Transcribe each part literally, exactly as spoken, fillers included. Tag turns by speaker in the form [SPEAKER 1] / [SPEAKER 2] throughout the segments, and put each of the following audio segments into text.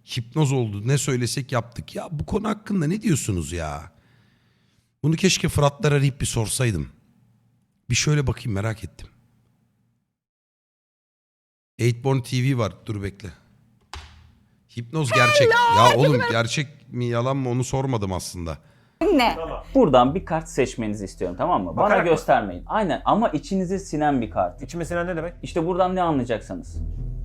[SPEAKER 1] Hipnoz oldu. Ne söylesek yaptık. Ya bu konu hakkında ne diyorsunuz ya? Bunu keşke Fıratlar arayıp bir sorsaydım. Bir şöyle bakayım, merak ettim. Eightborn T V var. Dur bekle. Hipnoz gerçek. Ya oğlum gerçek mi yalan mı onu sormadım aslında.
[SPEAKER 2] Ne?
[SPEAKER 3] Buradan bir kart seçmenizi istiyorum, tamam mı? Bana
[SPEAKER 4] Bakarak mı?
[SPEAKER 3] göstermeyin. Aynen, ama içinize sinen bir kart.
[SPEAKER 4] İçime sinen ne demek?
[SPEAKER 3] İşte buradan ne anlayacaksınız?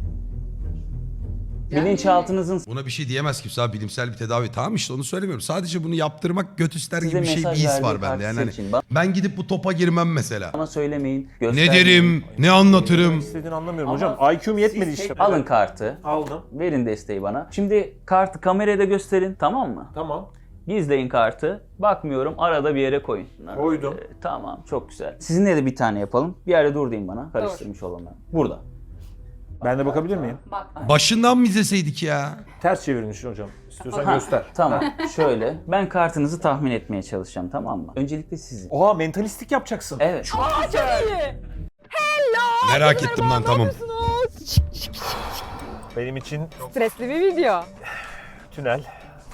[SPEAKER 2] Yani-
[SPEAKER 3] Bilinçaltınızın
[SPEAKER 1] Buna bir şey diyemez kimse abi, bilimsel bir tedavi. Tamam işte onu söylemiyorum. Sadece bunu yaptırmak göt ister
[SPEAKER 3] size
[SPEAKER 1] gibi bir şey, bir
[SPEAKER 3] mesaj
[SPEAKER 1] his
[SPEAKER 3] verdiği
[SPEAKER 1] var bende.
[SPEAKER 3] kartı
[SPEAKER 1] Yani hani
[SPEAKER 3] seçin. Bana
[SPEAKER 1] ben gidip bu topa girmem mesela.
[SPEAKER 3] Bana söylemeyin,
[SPEAKER 1] Ne
[SPEAKER 3] göstermeyin.
[SPEAKER 1] derim, ne anlatırım.
[SPEAKER 4] İstediğini anlamıyorum
[SPEAKER 3] Ama
[SPEAKER 4] hocam. I Q'm yetmedi işte.
[SPEAKER 3] Alın kartı,
[SPEAKER 4] Aldım.
[SPEAKER 3] verin desteği bana. Şimdi kartı kameraya da gösterin, tamam mı?
[SPEAKER 4] Tamam.
[SPEAKER 3] Gizleyin kartı. Bakmıyorum, arada bir yere koyun.
[SPEAKER 4] Koydum.
[SPEAKER 3] Ee, tamam, çok güzel. Sizinle de bir tane yapalım. Bir yerde dur deyin bana. Karıştırmış olanlar. Burada.
[SPEAKER 4] Ben de bakabilir miyim?
[SPEAKER 2] Bak.
[SPEAKER 1] Başından mı izleseydik ya?
[SPEAKER 4] Ters çevirmiş hocam. İstiyorsan
[SPEAKER 3] Ha,
[SPEAKER 4] göster.
[SPEAKER 3] Tamam, şöyle. Ben kartınızı tahmin etmeye çalışacağım, tamam mı? Öncelikle sizin.
[SPEAKER 4] Oha, mentalistik yapacaksın.
[SPEAKER 3] Evet.
[SPEAKER 2] Aa, çok iyi.
[SPEAKER 1] Merak ettim lan, tamam.
[SPEAKER 4] Benim için
[SPEAKER 2] Stresli bir video.
[SPEAKER 4] tünel.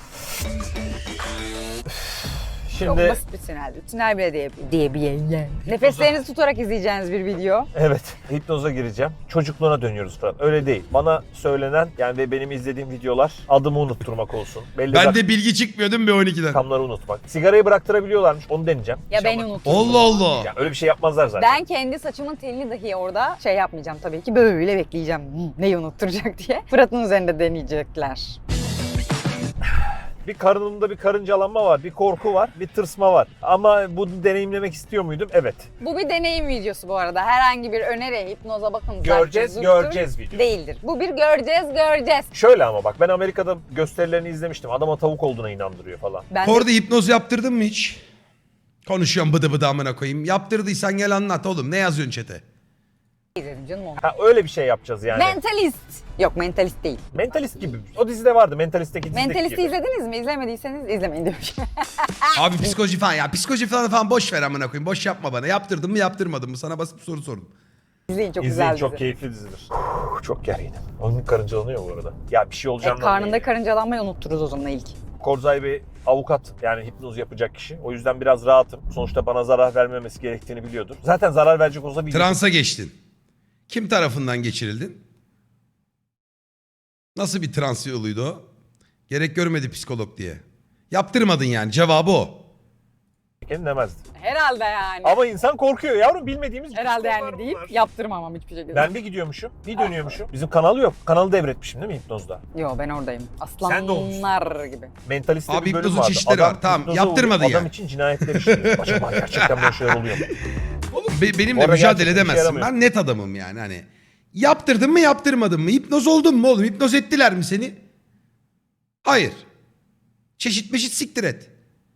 [SPEAKER 2] Çok
[SPEAKER 4] Şimdi
[SPEAKER 2] basit bir tüneldi. Tünel bile diye, diye bir yayın. Nefeslerinizi tutarak izleyeceğiniz bir video.
[SPEAKER 4] evet, hipnoza gireceğim. Çocukluğuna dönüyoruz Fırat. Öyle değil. Bana söylenen yani ve benim izlediğim videolar adımı unutturmak olsun. Belli
[SPEAKER 1] Ben de bilgi çıkmıyor değil mi B on ikiden?
[SPEAKER 4] rakamları unutmak. Sigarayı bıraktırabiliyorlarmış. Onu deneyeceğim.
[SPEAKER 2] Ya ben
[SPEAKER 4] İnşallah.
[SPEAKER 2] unuttum.
[SPEAKER 1] Allah Allah.
[SPEAKER 4] Yani öyle bir şey yapmazlar zaten.
[SPEAKER 2] Ben kendi saçımın telini dahi orada şey yapmayacağım tabii ki. Böyle bekleyeceğim. Hı, neyi unutturacak diye. Fırat'ın üzerinde deneyecekler.
[SPEAKER 4] Bir karnımda bir karıncalanma var, bir korku var, bir tırsma var. Ama bunu deneyimlemek istiyor muydum? Evet.
[SPEAKER 2] Bu bir deneyim videosu bu arada. Herhangi bir öneri, hipnoza bakın.
[SPEAKER 4] Göreceğiz,
[SPEAKER 2] zartçı, zurttur
[SPEAKER 4] göreceğiz video.
[SPEAKER 2] Değildir. Bu bir göreceğiz, göreceğiz.
[SPEAKER 4] Şöyle ama bak, ben Amerika'da gösterilerini izlemiştim. Adama tavuk olduğuna inandırıyor falan.
[SPEAKER 2] Ben de
[SPEAKER 1] Orada hipnoz yaptırdın mı hiç? Konuşuyorum bıdı bıdı amına koyayım. Yaptırdıysan gel anlat oğlum. Ne yazıyorsun chat'e?
[SPEAKER 2] izledim canım onu.
[SPEAKER 4] Ha, öyle bir şey yapacağız yani.
[SPEAKER 2] Mentalist. Yok, mentalist değil.
[SPEAKER 4] Mentalist gibi. O dizide vardı. Mentalist'teki dizideki
[SPEAKER 2] Mentalist'i
[SPEAKER 4] gibi.
[SPEAKER 2] izlediniz mi? İzlemediyseniz izlemeyin demiş.
[SPEAKER 1] Abi psikoloji falan ya. Psikoloji falan falan boş ver amına koyayım. Boş yapma bana. Yaptırdın mı yaptırmadın mı? Sana basit bir soru sordum.
[SPEAKER 2] İzleyin, çok
[SPEAKER 4] İzleyin,
[SPEAKER 2] güzel
[SPEAKER 4] çok
[SPEAKER 2] dizi.
[SPEAKER 4] keyifli dizidir. Çok gerginim. Onun karıncalanıyor bu arada. Ya bir şey
[SPEAKER 2] E,
[SPEAKER 4] olacağını
[SPEAKER 2] karnında karıncalanmayı unuttururuz o zaman ilk.
[SPEAKER 4] Korzay bir avukat, yani hipnoz yapacak kişi. O yüzden biraz rahatım. Sonuçta bana zarar vermemesi gerektiğini biliyordur. Zaten zarar verecek olsa biliyordur.
[SPEAKER 1] Transa geçtin. Kim tarafından geçirildin? Nasıl bir trans yoluydu o? Gerek görmedi psikolog diye. Yaptırmadın yani. Cevabı o.
[SPEAKER 4] demezdi.
[SPEAKER 2] Herhalde yani.
[SPEAKER 4] Ama insan korkuyor yavrum, bilmediğimiz
[SPEAKER 2] Herhalde
[SPEAKER 4] psikologlar
[SPEAKER 2] yani deyip
[SPEAKER 4] bunlar.
[SPEAKER 2] yaptırmamam hiçbir şekilde.
[SPEAKER 4] Ben bir gidiyormuşum, bir dönüyormuşum. Bizim kanalı yok. Kanalı devretmişim değil mi hipnozda?
[SPEAKER 2] Yo, ben oradayım.
[SPEAKER 4] Sen de olmuşsun.
[SPEAKER 2] Aslanlar gibi.
[SPEAKER 4] Mentaliste
[SPEAKER 1] Abi
[SPEAKER 4] bir bölüm
[SPEAKER 1] hipnozun
[SPEAKER 4] vardı.
[SPEAKER 1] çeşitleri var. Tamam,
[SPEAKER 4] hipnoza
[SPEAKER 1] yaptırmadın
[SPEAKER 4] uğrayıp
[SPEAKER 1] yani.
[SPEAKER 4] Adam için cinayetler işliyor. Acaba gerçekten böyle şeyler oluyor mu?
[SPEAKER 1] Oğlum be- benimle
[SPEAKER 4] Orada
[SPEAKER 1] mücadele
[SPEAKER 4] gerçekten işe
[SPEAKER 1] edemezsin.
[SPEAKER 4] yaramıyor.
[SPEAKER 1] Ben net adamım yani hani. Yaptırdın mı yaptırmadın mı? Hipnoz oldun mu oğlum? Hipnoz ettiler mi seni? Hayır. Çeşit meşit siktir et.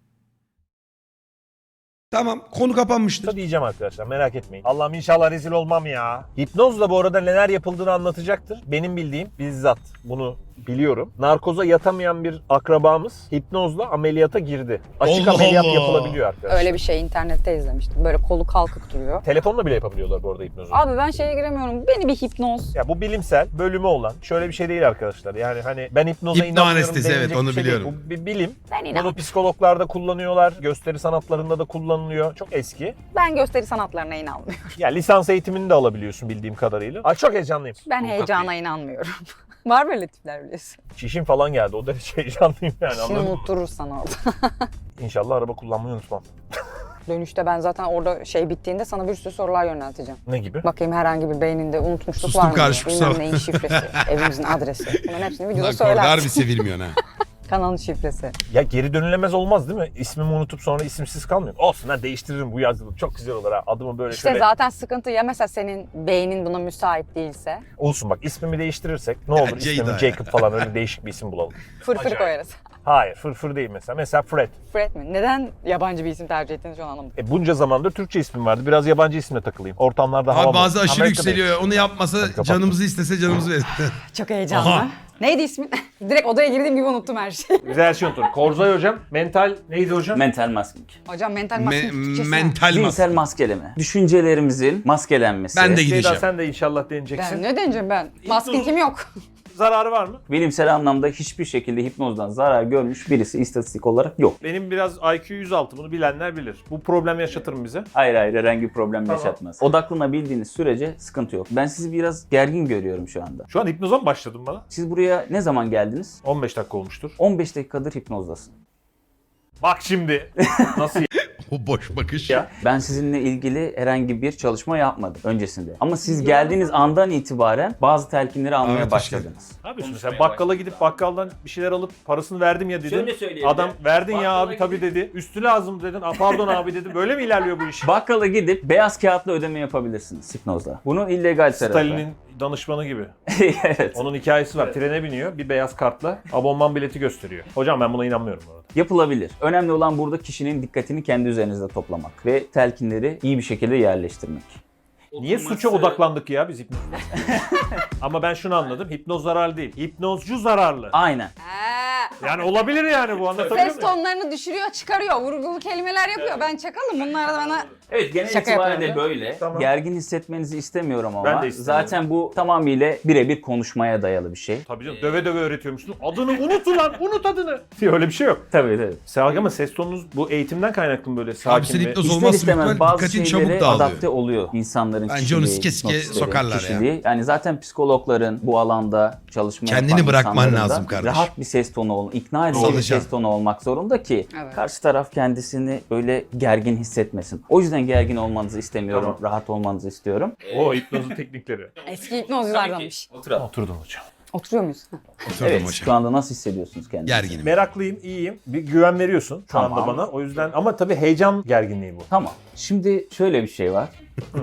[SPEAKER 1] Tamam, konu kapanmıştır.
[SPEAKER 4] Diyeceğim arkadaşlar, merak etmeyin. Allah'ım inşallah rezil olmam ya. Hipnozla bu arada neler yapıldığını anlatacaktır. Benim bildiğim, bizzat bunu biliyorum. Narkoza yatamayan bir akrabamız hipnozla ameliyata girdi. Açık
[SPEAKER 1] Allah
[SPEAKER 4] ameliyat
[SPEAKER 1] Allah.
[SPEAKER 4] yapılabiliyor arkadaşlar.
[SPEAKER 2] Öyle bir şey internette izlemiştim. Böyle kolu kalkık duruyor.
[SPEAKER 4] Telefonla bile yapabiliyorlar bu arada hipnozu.
[SPEAKER 2] Abi ben şeye giremiyorum. Beni bir hipnoz.
[SPEAKER 4] Ya bu bilimsel bölümü olan şöyle bir şey değil arkadaşlar. Yani hani ben hipnoza
[SPEAKER 1] Hipno
[SPEAKER 4] inanmıyorum
[SPEAKER 1] anestezi,
[SPEAKER 4] denilecek
[SPEAKER 1] evet, onu
[SPEAKER 4] bir şey
[SPEAKER 1] biliyorum.
[SPEAKER 4] değil. Bu bir bilim.
[SPEAKER 2] Ben
[SPEAKER 4] Bunu
[SPEAKER 2] inan.
[SPEAKER 4] psikologlarda kullanıyorlar. Gösteri sanatlarında da kullanılıyor. Çok eski.
[SPEAKER 2] Ben gösteri sanatlarına inanmıyorum.
[SPEAKER 4] Ya lisans eğitimini de alabiliyorsun bildiğim kadarıyla. Ay çok heyecanlıyım.
[SPEAKER 2] Ben heyecana inanmıyorum. Var böyle tipler biliyorsun.
[SPEAKER 4] Çişim falan geldi. O derece heyecanlıyım yani,
[SPEAKER 2] Şimdi
[SPEAKER 4] anladın mı?
[SPEAKER 2] unutturur sana orada.
[SPEAKER 4] İnşallah araba kullanmayı unutmam.
[SPEAKER 2] Dönüşte ben zaten orada şey bittiğinde sana bir sürü sorular yönelteceğim.
[SPEAKER 4] Ne gibi?
[SPEAKER 2] Bakayım herhangi bir beyninde unutmuşluk
[SPEAKER 1] Sustum
[SPEAKER 2] var mı?
[SPEAKER 1] karşı, kusura
[SPEAKER 2] Bilmem neyin şifresi, evimizin adresi. Bunların hepsini videoda
[SPEAKER 1] Lan Korda harbi
[SPEAKER 2] söylersin.
[SPEAKER 1] sevilmiyorsun ha.
[SPEAKER 2] Kanalın şifresi.
[SPEAKER 4] Ya geri dönülemez olmaz değil mi? İsmimi unutup sonra isimsiz kalmıyorum. Olsun ha, değiştiririm bu yazılım. Çok güzel olur ha. Adımı böyle
[SPEAKER 2] İşte
[SPEAKER 4] şöyle.
[SPEAKER 2] zaten sıkıntı ya mesela senin beynin buna müsait değilse.
[SPEAKER 4] Olsun bak, ismimi değiştirirsek ne olur,
[SPEAKER 1] Ceyda
[SPEAKER 4] ismimi
[SPEAKER 1] ya.
[SPEAKER 4] Jacob falan öyle değişik bir isim bulalım.
[SPEAKER 2] Fırfır
[SPEAKER 4] Acayip.
[SPEAKER 2] koyarız.
[SPEAKER 4] Hayır, fırfır değil mesela. Mesela Fred.
[SPEAKER 2] Fred mi? Neden yabancı bir isim tercih ettiğini şu an anlamadım.
[SPEAKER 4] E bunca zamandır Türkçe ismim vardı. Biraz yabancı isimle takılayım. Ortamlarda hava
[SPEAKER 1] Abi bazı
[SPEAKER 4] bulasın.
[SPEAKER 1] aşırı
[SPEAKER 4] Amerika'dayım.
[SPEAKER 1] yükseliyor. Onu yapmasa
[SPEAKER 4] kapattım.
[SPEAKER 1] canımızı istese canımızı verir.
[SPEAKER 2] Çok heyecanlı.
[SPEAKER 1] Aha.
[SPEAKER 2] Neydi ismin? Direkt odaya girdiğim gibi unuttum her şeyi.
[SPEAKER 4] Biz her şeyi unuturum. Korzay hocam. Mental neydi hocam?
[SPEAKER 3] Mental masking.
[SPEAKER 2] Hocam mental
[SPEAKER 1] Me-
[SPEAKER 2] maskenin Türkçesi ne?
[SPEAKER 1] mental mas.
[SPEAKER 3] Zihinsel maskeleme. Düşüncelerimizin maskelenmesi.
[SPEAKER 1] Ben de
[SPEAKER 4] Ceyda
[SPEAKER 1] gideceğim.
[SPEAKER 4] sen de inşallah deneyeceksin.
[SPEAKER 2] Ben ne deneyeceğim ben? Maskin kim yok?
[SPEAKER 4] zararı var mı?
[SPEAKER 3] Bilimsel anlamda hiçbir şekilde hipnozdan zarar görmüş birisi istatistik olarak yok.
[SPEAKER 4] Benim biraz I Q yüz altı, bunu bilenler bilir. Bu problem yaşatır mı bize?
[SPEAKER 3] Hayır hayır herhangi bir problem
[SPEAKER 4] Tamam.
[SPEAKER 3] yaşatmaz. Odaklanabildiğiniz sürece sıkıntı yok. Ben sizi biraz gergin görüyorum şu anda.
[SPEAKER 4] Şu an hipnoza mı başladın bana?
[SPEAKER 3] Siz buraya ne zaman geldiniz?
[SPEAKER 4] on beş dakika olmuştur.
[SPEAKER 3] on beş dakikadır hipnozdasın.
[SPEAKER 4] Bak şimdi. Nasıl
[SPEAKER 1] O boş bakış.
[SPEAKER 4] ya?
[SPEAKER 3] Ben sizinle ilgili herhangi bir çalışma yapmadım öncesinde. Ama siz geldiğiniz andan itibaren bazı telkinleri almaya
[SPEAKER 1] Evet, hoş
[SPEAKER 3] başladınız.
[SPEAKER 4] Ne yapıyorsun sen? Bakkala gidip bakkaldan bir şeyler alıp parasını verdim ya dedin.
[SPEAKER 3] Şöyle söyleyelim.
[SPEAKER 4] Adam verdin ya
[SPEAKER 3] Bakkala
[SPEAKER 4] abi tabii
[SPEAKER 3] gidip-
[SPEAKER 4] dedi. Üstü lazım dedin. A, pardon abi dedi. Böyle mi ilerliyor bu iş?
[SPEAKER 3] Bakkala gidip beyaz kağıtla ödeme yapabilirsiniz hipnozla. Bunun illegal tarafı.
[SPEAKER 4] Stalin'in danışmanı gibi.
[SPEAKER 3] Evet.
[SPEAKER 4] Onun hikayesi var. Trene biniyor. Bir beyaz kartla abonman bileti gösteriyor. Hocam ben buna inanmıyorum bu arada.
[SPEAKER 3] Yapılabilir. Önemli olan burada kişinin dikkatini kendi üzerinizde toplamak ve telkinleri iyi bir şekilde yerleştirmek.
[SPEAKER 4] Niye suça odaklandık ya biz hipnozda? Ama ben şunu anladım. Hipnoz zararlı değil. Hipnozcu zararlı.
[SPEAKER 3] Aynen.
[SPEAKER 2] Ee,
[SPEAKER 4] Yani olabilir yani bu, anlatabiliyor
[SPEAKER 2] ses
[SPEAKER 4] muyum?
[SPEAKER 2] tonlarını düşürüyor, çıkarıyor. Vurgulu kelimeler yapıyor. Ben çakalım. Bunlar da bana...
[SPEAKER 3] Evet genel
[SPEAKER 2] Şaka
[SPEAKER 3] itibariyle
[SPEAKER 2] yapıyorum.
[SPEAKER 3] böyle.
[SPEAKER 4] Tamam.
[SPEAKER 3] Gergin hissetmenizi istemiyorum ama.
[SPEAKER 4] Ben de istemiyorum.
[SPEAKER 3] Zaten bu tamamıyla birebir konuşmaya dayalı bir şey.
[SPEAKER 4] Tabii canım, döve döve öğretiyormuşsun. Adını unut ulan, unut adını. Diye öyle bir şey yok.
[SPEAKER 3] Tabii tabii.
[SPEAKER 4] Sen ama ses tonunuz bu eğitimden kaynaklı mı böyle sakin
[SPEAKER 1] Abi sen
[SPEAKER 4] ve...
[SPEAKER 1] hipnoz
[SPEAKER 3] İster
[SPEAKER 1] olmazsa
[SPEAKER 3] istemez
[SPEAKER 1] büyük
[SPEAKER 3] bazı
[SPEAKER 1] dikkatin çabuk
[SPEAKER 3] şeylere
[SPEAKER 1] dağılıyor.
[SPEAKER 3] adapte oluyor insanların
[SPEAKER 1] Bence
[SPEAKER 3] kişiliği,
[SPEAKER 1] onu sike sike
[SPEAKER 3] hipnotistlerin
[SPEAKER 1] sokarlar ya.
[SPEAKER 3] kişiliği. Yani zaten psikologların bu alanda çalışma
[SPEAKER 1] Kendini
[SPEAKER 3] yapan
[SPEAKER 1] bırakman
[SPEAKER 3] insanların da
[SPEAKER 1] lazım kardeşim.
[SPEAKER 3] rahat bir ses tonu ol, ikna edici bir
[SPEAKER 1] Salacaksın.
[SPEAKER 3] ses tonu olmak zorunda ki
[SPEAKER 2] Evet.
[SPEAKER 3] karşı taraf kendisini böyle gergin hissetmesin. O yüzden gergin olmanızı istemiyorum,
[SPEAKER 4] Tamam.
[SPEAKER 3] rahat olmanızı istiyorum.
[SPEAKER 4] O hipnozun teknikleri.
[SPEAKER 2] Eski hipnozculardanmış.
[SPEAKER 3] Oturalım.
[SPEAKER 4] Oturdum hocam.
[SPEAKER 2] Oturuyor muyuz? Ha.
[SPEAKER 1] Oturdum
[SPEAKER 3] Evet,
[SPEAKER 1] hocam.
[SPEAKER 3] şu anda nasıl hissediyorsunuz kendinizi?
[SPEAKER 1] Gerginim.
[SPEAKER 4] Meraklıyım, iyiyim. Bir güven veriyorsun şu
[SPEAKER 3] Tamam.
[SPEAKER 4] anda bana. O yüzden ama tabii heyecan gerginliği bu.
[SPEAKER 3] Tamam. Şimdi şöyle bir şey var.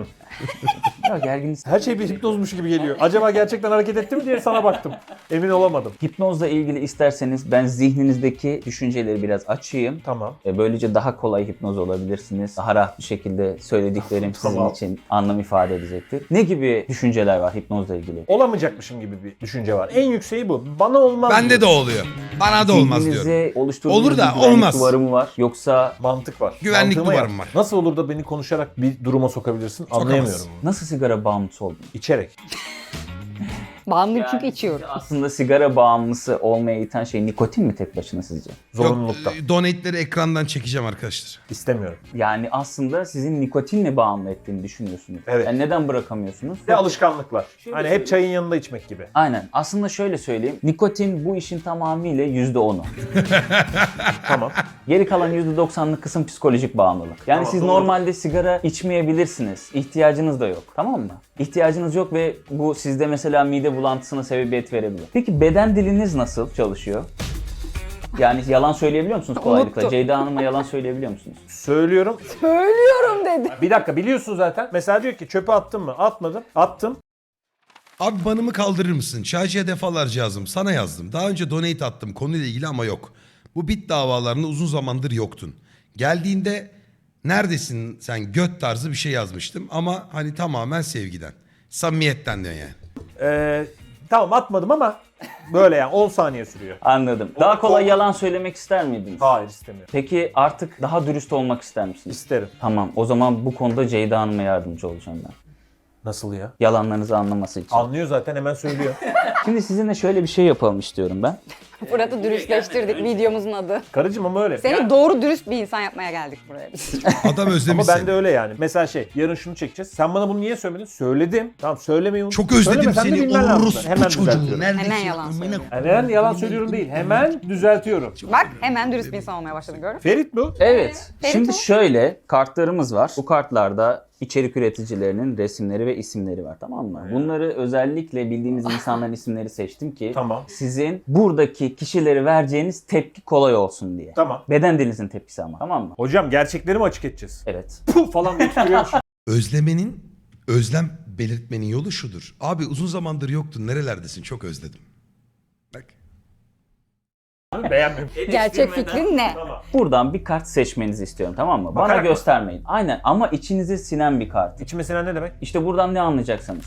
[SPEAKER 3] Ya gergin his-
[SPEAKER 4] Her şey bir hipnozmuş gibi geliyor. Acaba gerçekten hareket etti mi diye sana baktım. Emin olamadım.
[SPEAKER 3] Hipnozla ilgili isterseniz ben zihninizdeki düşünceleri biraz açayım.
[SPEAKER 4] Tamam.
[SPEAKER 3] E, Böylece daha kolay hipnoz olabilirsiniz. Daha rahat bir şekilde söylediklerim
[SPEAKER 4] Tamam.
[SPEAKER 3] sizin için anlam ifade edecektir. Ne gibi düşünceler var hipnozla ilgili?
[SPEAKER 4] Olamayacakmışım gibi bir düşünce var. En yükseği bu. Bana olmaz.
[SPEAKER 1] Bende de
[SPEAKER 4] diyor.
[SPEAKER 1] oluyor. Bana da olmaz diyorum.
[SPEAKER 3] Zihninize oluşturduğunuz
[SPEAKER 1] Olur da
[SPEAKER 3] bir güvenlik
[SPEAKER 1] olmaz.
[SPEAKER 3] duvarı mı var? Yoksa
[SPEAKER 4] Mantık var.
[SPEAKER 1] Güvenlik
[SPEAKER 4] Mantığıma
[SPEAKER 1] duvarım
[SPEAKER 4] yap.
[SPEAKER 1] var.
[SPEAKER 4] Nasıl olur da beni konuşarak bir duruma sokabilirsin? Anlayamıyorum bunu.
[SPEAKER 3] nasıl sigara bağımlısı oldunuz?
[SPEAKER 4] İçerek.
[SPEAKER 2] Bağımlıyım çünkü içiyorum.
[SPEAKER 3] Aslında sigara bağımlısı olmaya iten şey nikotin mi tek başına sizce?
[SPEAKER 4] Zorunluluktan.
[SPEAKER 1] Yok, donate'leri ekrandan çekeceğim arkadaşlar.
[SPEAKER 4] İstemiyorum.
[SPEAKER 3] Yani aslında sizin nikotinle bağımlı ettiğini düşünüyorsunuz.
[SPEAKER 4] Evet.
[SPEAKER 3] Yani neden bırakamıyorsunuz?
[SPEAKER 4] Ve alışkanlıklar.
[SPEAKER 3] Şöyle
[SPEAKER 4] Hani
[SPEAKER 3] söyleyeyim.
[SPEAKER 4] hep çayın yanında içmek gibi.
[SPEAKER 3] Aynen. Aslında şöyle söyleyeyim. Nikotin bu işin tamamıyla yüzde onu.
[SPEAKER 4] Tamam.
[SPEAKER 3] Geri kalan yüzde doksanlık kısım psikolojik bağımlılık. Yani
[SPEAKER 4] Tamam,
[SPEAKER 3] siz
[SPEAKER 4] doğru.
[SPEAKER 3] normalde sigara içmeyebilirsiniz. İhtiyacınız da yok. Tamam mı? İhtiyacınız yok ve bu sizde mesela mide bulantısına sebebiyet verebilir. Peki beden diliniz nasıl çalışıyor? Yani yalan söyleyebiliyor musunuz kolaylıkla?
[SPEAKER 2] Unuttum.
[SPEAKER 3] Ceyda Hanım'a yalan söyleyebiliyor musunuz?
[SPEAKER 4] Söylüyorum.
[SPEAKER 2] Söylüyorum dedi.
[SPEAKER 4] Bir dakika, biliyorsun zaten. Mesela diyor ki çöpe attın mı? Atmadım. Attım.
[SPEAKER 1] Abi banımı kaldırır mısın? Çaycıya defalarca yazdım. Sana yazdım. Daha önce donate attım konuyla ilgili ama yok. Bu bit davalarında uzun zamandır yoktun. Geldiğinde neredesin sen göt tarzı bir şey yazmıştım. Ama hani tamamen sevgiden. Samimiyetten diyor yani.
[SPEAKER 4] Ee, tamam atmadım ama böyle yani on saniye sürüyor.
[SPEAKER 3] Anladım. Daha
[SPEAKER 4] O-
[SPEAKER 3] kolay
[SPEAKER 4] o-
[SPEAKER 3] yalan söylemek ister miydiniz?
[SPEAKER 4] Hayır, istemiyorum.
[SPEAKER 3] Peki artık daha dürüst olmak ister misiniz?
[SPEAKER 4] İsterim.
[SPEAKER 3] Tamam. O zaman bu konuda Ceyda Hanım'a yardımcı olacağım ben.
[SPEAKER 4] Nasıl ya?
[SPEAKER 3] Yalanlarınızı anlaması için.
[SPEAKER 4] Anlıyor zaten, hemen söylüyor.
[SPEAKER 3] Şimdi sizinle şöyle bir şey yapalım istiyorum ben.
[SPEAKER 2] Fırat'ı dürüstleştirdik videomuzun adı.
[SPEAKER 4] Karıcığım ama öyle.
[SPEAKER 2] Seni
[SPEAKER 4] Yani-
[SPEAKER 2] doğru dürüst bir insan yapmaya geldik buraya biz.
[SPEAKER 1] Adam özlemiş
[SPEAKER 4] ama ben
[SPEAKER 1] seni.
[SPEAKER 4] de öyle yani. Mesela şey, yarın şunu çekeceğiz. Sen bana bunu niye söylemedin? Söyledim. Tamam, söylemeyi unut.
[SPEAKER 1] Çok özledim
[SPEAKER 4] Söylemesen de
[SPEAKER 1] seni.
[SPEAKER 4] bilmen lazım.
[SPEAKER 1] Orospu
[SPEAKER 4] Hemen
[SPEAKER 1] çocuğu.
[SPEAKER 4] düzeltiyorum.
[SPEAKER 1] Neredesin?
[SPEAKER 2] Hemen yalan
[SPEAKER 1] Amına
[SPEAKER 2] söylüyor.
[SPEAKER 4] Yani ben yalan söylüyorum değil. Hemen düzeltiyorum.
[SPEAKER 2] Bak hemen dürüst bir insan olmaya başladın gördün mü?
[SPEAKER 4] Ferit bu.
[SPEAKER 3] Evet.
[SPEAKER 2] Ferit
[SPEAKER 3] Şimdi
[SPEAKER 2] o.
[SPEAKER 3] şöyle kartlarımız var. Bu kartlarda içerik üreticilerinin resimleri ve isimleri var, tamam mı? Bunları özellikle bildiğimiz insanların isimleri seçtim ki
[SPEAKER 4] Tamam.
[SPEAKER 3] sizin buradaki kişileri vereceğiniz tepki kolay olsun diye.
[SPEAKER 4] Tamam.
[SPEAKER 3] Beden dilinizin tepkisi ama, tamam mı?
[SPEAKER 4] Hocam gerçekleri mi açık edeceğiz?
[SPEAKER 3] Evet.
[SPEAKER 4] Puh falan diye tükürüyormuş.
[SPEAKER 1] Özlemenin, özlem belirtmenin yolu şudur. Abi uzun zamandır yoktun. Nerelerdesin? Çok özledim. Bak.
[SPEAKER 4] Beğenmedim.
[SPEAKER 2] Gerçek fikrin ne?
[SPEAKER 4] Tamam.
[SPEAKER 3] Buradan bir kart seçmenizi istiyorum, tamam mı? Bana
[SPEAKER 4] Bakarak mı?
[SPEAKER 3] göstermeyin. Aynen, ama içinize sinen bir kart.
[SPEAKER 4] İçime sinen ne demek?
[SPEAKER 3] İşte buradan ne anlayacaksınız?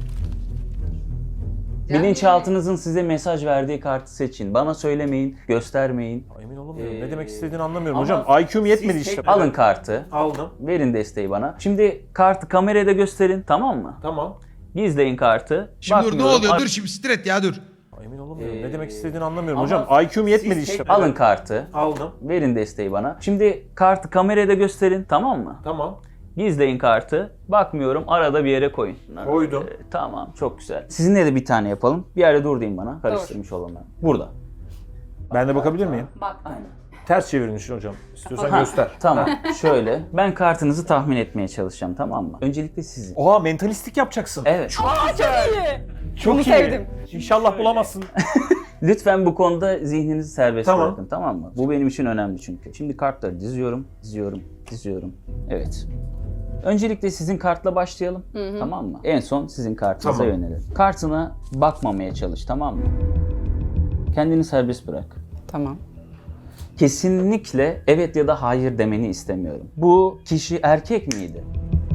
[SPEAKER 3] Bilinçaltınızın size mesaj verdiği kartı seçin. Bana söylemeyin, göstermeyin.
[SPEAKER 4] Emin olamıyorum.
[SPEAKER 3] Ee,
[SPEAKER 4] ne demek istediğini anlamıyorum
[SPEAKER 3] ama
[SPEAKER 4] hocam. I Q'm yetmedi
[SPEAKER 3] Siz
[SPEAKER 4] işte.
[SPEAKER 3] tek- Alın kartı.
[SPEAKER 4] Aldım.
[SPEAKER 3] Verin desteği bana. Şimdi kartı kamerada gösterin, tamam mı?
[SPEAKER 4] Tamam.
[SPEAKER 3] Gizleyin kartı.
[SPEAKER 1] Şimdi dur ne
[SPEAKER 3] Bakmıyorum.
[SPEAKER 1] oluyor?
[SPEAKER 3] Ar-
[SPEAKER 1] Dur şimdi stret ya dur.
[SPEAKER 4] Emin olamıyorum.
[SPEAKER 3] Ee,
[SPEAKER 4] ne demek istediğini anlamıyorum
[SPEAKER 3] ama
[SPEAKER 4] hocam. I Q'm yetmedi
[SPEAKER 3] Siz
[SPEAKER 4] işte.
[SPEAKER 3] tek- Alın kartı.
[SPEAKER 4] Aldım.
[SPEAKER 3] Verin desteği bana. Şimdi kartı kameraya da gösterin, tamam mı?
[SPEAKER 4] Tamam.
[SPEAKER 3] Gizleyin kartı. Bakmıyorum, arada bir yere koyun.
[SPEAKER 4] Koydum.
[SPEAKER 3] Ee, tamam, çok güzel. Sizinle de bir tane yapalım. Bir yerde dur deyin bana. Karıştırmış olanlar. Burada.
[SPEAKER 4] Ben de bakabilir miyim?
[SPEAKER 2] Bak.
[SPEAKER 3] Aynen.
[SPEAKER 4] Ters çevirin işte hocam. İstiyorsan
[SPEAKER 3] Ha,
[SPEAKER 4] göster.
[SPEAKER 3] Tamam, şöyle. Ben kartınızı tahmin etmeye çalışacağım, tamam mı? Öncelikle sizin.
[SPEAKER 4] Oha, mentalistik yapacaksın.
[SPEAKER 3] Evet.
[SPEAKER 2] Aa, çok iyi.
[SPEAKER 4] Çok
[SPEAKER 2] Bunu
[SPEAKER 4] iyi.
[SPEAKER 2] sevdim.
[SPEAKER 4] İnşallah bulamazsın.
[SPEAKER 3] Lütfen bu konuda zihninizi serbest
[SPEAKER 4] Tamam.
[SPEAKER 3] bırakın, tamam mı? Bu benim için önemli çünkü. Şimdi kartları diziyorum, diziyorum, diziyorum. Evet. Öncelikle sizin kartla başlayalım, tamam mı? En son sizin kartınıza
[SPEAKER 4] Tamam.
[SPEAKER 3] yönelelim. Kartına bakmamaya çalış, tamam mı? Kendini serbest bırak.
[SPEAKER 2] Tamam.
[SPEAKER 3] Kesinlikle evet ya da hayır demeni istemiyorum. Bu kişi erkek miydi?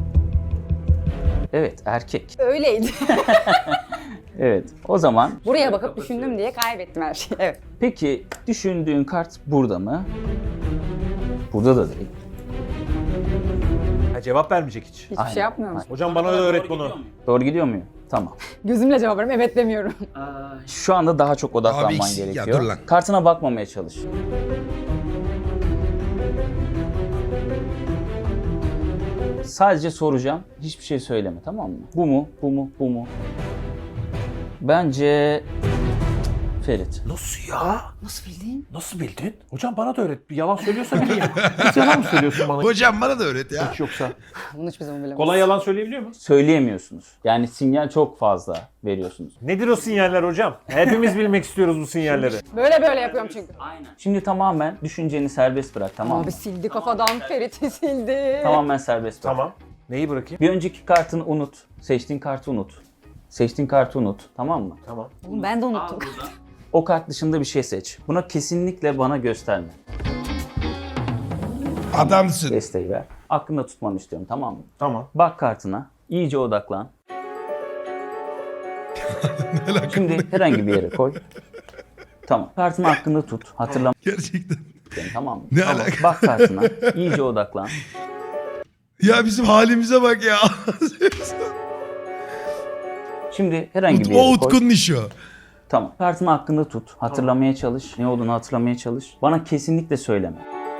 [SPEAKER 3] Evet, erkek.
[SPEAKER 2] Öyleydi.
[SPEAKER 3] Evet, o zaman
[SPEAKER 2] Buraya bakıp düşündüm diye kaybettim her şeyi. Evet.
[SPEAKER 3] peki düşündüğün kart burada mı? Burada da değil.
[SPEAKER 4] Ha, cevap vermeyecek hiç.
[SPEAKER 2] Hiçbir
[SPEAKER 3] Aynen.
[SPEAKER 2] şey yapmıyor musun?
[SPEAKER 4] Hocam bana da öğret bunu.
[SPEAKER 3] Doğru gidiyor muyum? Tamam.
[SPEAKER 2] Gözümle cevap veriyorum. Evet demiyorum.
[SPEAKER 3] Şu anda daha çok odaklanman
[SPEAKER 1] Abi ikisi- ya
[SPEAKER 3] gerekiyor.
[SPEAKER 1] dur lan.
[SPEAKER 3] Kartına bakmamaya çalış. Sadece soracağım. Hiçbir şey söyleme, tamam mı? Bu mu? Bu mu? Bu mu? Bence Ferit.
[SPEAKER 4] Nasıl ya?
[SPEAKER 2] Nasıl bildin?
[SPEAKER 4] Nasıl bildin? Hocam bana da öğret. Bir yalan söylüyorsa bileyim. Hiç yalan mı söylüyorsun bana?
[SPEAKER 1] Hocam bana da öğret ya.
[SPEAKER 4] Hiç yoksa.
[SPEAKER 2] Bunu hiçbir zaman bilemem.
[SPEAKER 4] Kolay yalan söyleyebiliyor mu?
[SPEAKER 3] Söyleyemiyorsunuz. Yani sinyal çok fazla veriyorsunuz.
[SPEAKER 4] Nedir o sinyaller hocam? Hepimiz bilmek istiyoruz bu sinyalleri.
[SPEAKER 2] Böyle böyle yapıyorum çünkü.
[SPEAKER 3] Aynen. Şimdi tamamen düşünceni serbest bırak, tamam mı?
[SPEAKER 2] Abi sildi kafadan. Ferit'i sildi.
[SPEAKER 3] Tamamen serbest bırak.
[SPEAKER 4] Tamam. Neyi bırakayım?
[SPEAKER 3] Bir önceki kartını unut. Seçtiğin kartı unut. Seçtiğin kartı unut. Tamam mı?
[SPEAKER 4] Tamam.
[SPEAKER 2] Oğlum ben de unuttum.
[SPEAKER 3] O kart dışında bir şey seç. Buna kesinlikle bana gösterme.
[SPEAKER 1] Adamsın.
[SPEAKER 3] Desteği ver. Aklında tutmanı istiyorum, tamam mı?
[SPEAKER 4] Tamam.
[SPEAKER 3] Bak kartına. İyice odaklan. Şimdi herhangi bir yere koy. Tamam. Kartını hakkında tut. Hatırlamak
[SPEAKER 1] Gerçekten.
[SPEAKER 3] istiyorum, tamam mı?
[SPEAKER 1] Ne
[SPEAKER 3] Tamam.
[SPEAKER 1] alaka?
[SPEAKER 3] Bak kartına. İyice odaklan.
[SPEAKER 1] Ya bizim halimize bak ya.
[SPEAKER 3] Şimdi herhangi bir
[SPEAKER 1] o
[SPEAKER 3] yere koy.
[SPEAKER 1] Utku'nun işi o.
[SPEAKER 3] Tamam. Kartını hakkında tut. Hatırlamaya çalış. Ne olduğunu hatırlamaya çalış. Bana kesinlikle söyleme.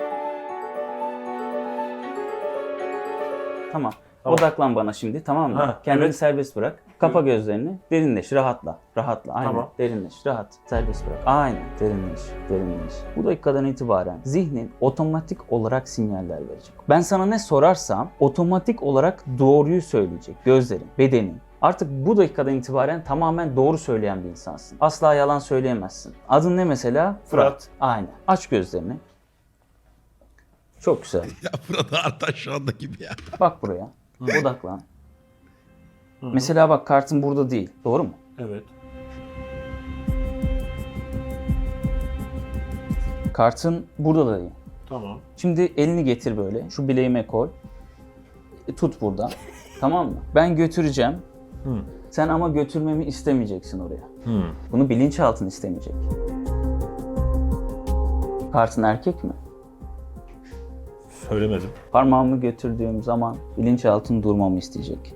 [SPEAKER 3] Tamam.
[SPEAKER 4] Tamam.
[SPEAKER 3] Odaklan bana şimdi, tamam mı?
[SPEAKER 4] Ha,
[SPEAKER 3] Kendini
[SPEAKER 4] evet.
[SPEAKER 3] serbest bırak. Kapa gözlerini. Derinleş, rahatla. Rahatla. Aynen.
[SPEAKER 4] Tamam.
[SPEAKER 3] Derinleş, rahat. Serbest bırak. Aynen. Derinleş, derinleş. Bu dakikadan itibaren zihnin otomatik olarak sinyaller verecek. Ben sana ne sorarsam otomatik olarak doğruyu söyleyecek. Gözlerin, bedenin. Artık bu dakikadan itibaren tamamen doğru söyleyen bir insansın. Asla yalan söyleyemezsin. Adın ne mesela?
[SPEAKER 4] Fırat.
[SPEAKER 3] Aynen. Aç gözlerini. Çok güzel.
[SPEAKER 1] Ya burada Artaş şu anda gibi ya.
[SPEAKER 3] Bak buraya. Odaklan. Mesela bak, kartın burada değil. Doğru mu?
[SPEAKER 4] Evet.
[SPEAKER 3] Kartın burada da değil.
[SPEAKER 4] Tamam.
[SPEAKER 3] Şimdi elini getir böyle. Şu bileğime koy. E, Tut buradan. Tamam mı? Ben götüreceğim.
[SPEAKER 4] Hı.
[SPEAKER 3] Sen ama götürmemi istemeyeceksin oraya.
[SPEAKER 4] Hı.
[SPEAKER 3] Bunu bilinçaltın istemeyecek. Kartın erkek mi?
[SPEAKER 4] Söylemedim.
[SPEAKER 3] Parmağımı götürdüğüm zaman bilinçaltın durmamı isteyecek.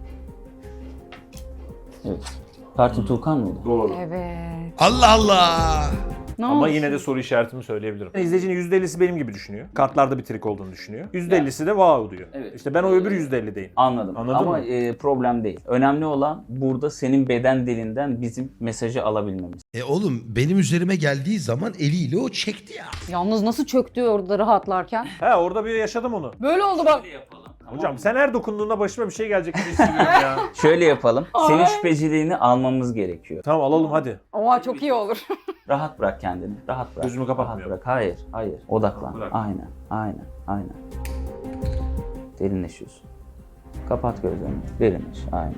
[SPEAKER 3] Evet. Kartın Tuğkan mıydı?
[SPEAKER 4] Doğru.
[SPEAKER 2] Evet.
[SPEAKER 1] Allah Allah.
[SPEAKER 2] Ne
[SPEAKER 4] Ama
[SPEAKER 2] oldu?
[SPEAKER 4] yine de soru işaretimi söyleyebilirim. İzleyicinin yüzde ellisi benim gibi düşünüyor. Kartlarda bir trik olduğunu düşünüyor. yüzde ellisi de wow diyor.
[SPEAKER 3] Evet.
[SPEAKER 4] İşte ben o öbür yüzde ellideyim.
[SPEAKER 3] Anladım.
[SPEAKER 4] Anladın
[SPEAKER 3] Ama
[SPEAKER 4] mı?
[SPEAKER 3] e, problem değil. Önemli olan burada senin beden dilinden bizim mesajı alabilmemiz.
[SPEAKER 1] E oğlum benim üzerime geldiği zaman eliyle o çekti ya.
[SPEAKER 2] Yalnız nasıl çöktü orada rahatlarken?
[SPEAKER 4] He, orada bir yaşadım onu.
[SPEAKER 2] Böyle oldu bak.
[SPEAKER 4] Hocam sen her dokunduğunda başıma bir şey gelecek gibi hissediyorum ya.
[SPEAKER 3] Şöyle yapalım. Senin
[SPEAKER 2] Ay.
[SPEAKER 3] şüpheciliğini almamız gerekiyor.
[SPEAKER 4] Tamam, alalım hadi.
[SPEAKER 2] Oha çok iyi olur.
[SPEAKER 3] Rahat bırak kendini. Rahat bırak.
[SPEAKER 4] Gözümü kapatmıyorum.
[SPEAKER 3] Rahat bırak. Hayır, hayır. Odaklan.
[SPEAKER 4] Bırak.
[SPEAKER 3] Aynen, aynen, aynen. Derinleşiyorsun. Kapat gözlerini. Derinleş. Aynen.